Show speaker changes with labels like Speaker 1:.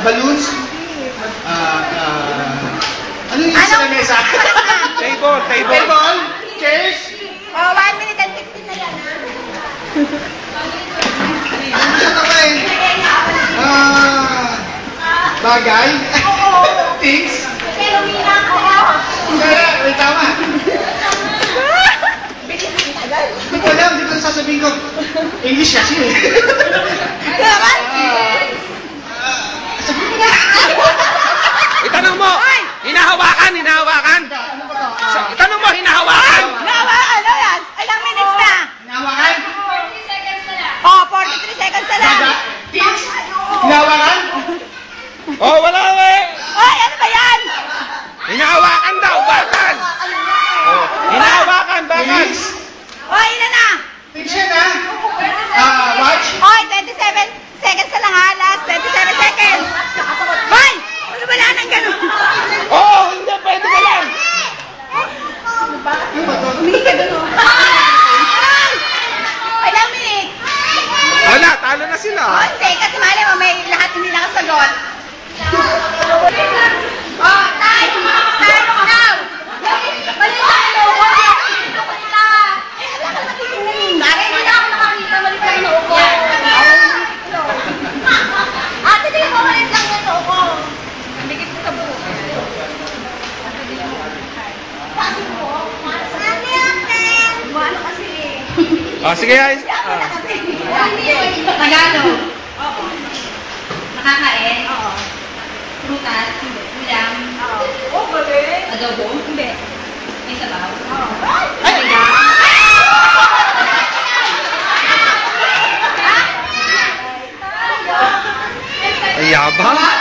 Speaker 1: balloons. Ano yung isa na mesa?
Speaker 2: Table.
Speaker 1: Table? Chairs?
Speaker 3: Oh, 1 minute and 15 na yan.
Speaker 1: Ano siya kapain? Bagay? Things?
Speaker 3: Pero mina ko.
Speaker 1: Kaya, may tama. Hindi ko alam, hindi ko sasabihin ko. English kasi eh.
Speaker 3: Naman?
Speaker 1: Sabihin mo na.
Speaker 2: Itanong mo! Hinahawakan!
Speaker 1: Ano ba to?
Speaker 2: Itanong mo, hinahawakan!
Speaker 3: Nawa, ano yan? Ilang minutes na?
Speaker 1: Hinahawakan?
Speaker 3: Oh, 43 seconds na lang.
Speaker 1: Baga? Things? Hinahawakan?
Speaker 2: Oh, wala eh!
Speaker 3: Oy, ano ba yan?
Speaker 2: Hinahawakan daw, bakal! Oh, hinahawakan, bakal!
Speaker 1: Things?
Speaker 3: Oy, ilan na?
Speaker 1: Things yan ha? Watch?
Speaker 3: Oy, 27 seconds na lang ha. Last 27 seconds. Hoy! Ano ba lang ng ganun?
Speaker 2: Oh, hindi, pwede ka lang!
Speaker 1: Ano ba to?
Speaker 3: Humingi ka doon. Ilang minutes?
Speaker 2: Wala, talo na sila.
Speaker 3: Oh, seconds. Mali mo, may lahat hindi nakasagot. Oh, time! Time now! Mali na ano? Bakit hindi na ako nakakita? Mali ka yung uko. Ate, di mo malit lang yung uko. Nandikit ko sa buhok. Bakit po? Sabi natin! Ano kasi eh.
Speaker 2: Oh, sige guys.
Speaker 3: Tagalog. Oo. Nakakain? Oo. Prutas? Hindi. Ulam? Oo. Oh, galing. Adobo? Hindi. May sabaw? Oo. Ay!
Speaker 2: Ay, yabang.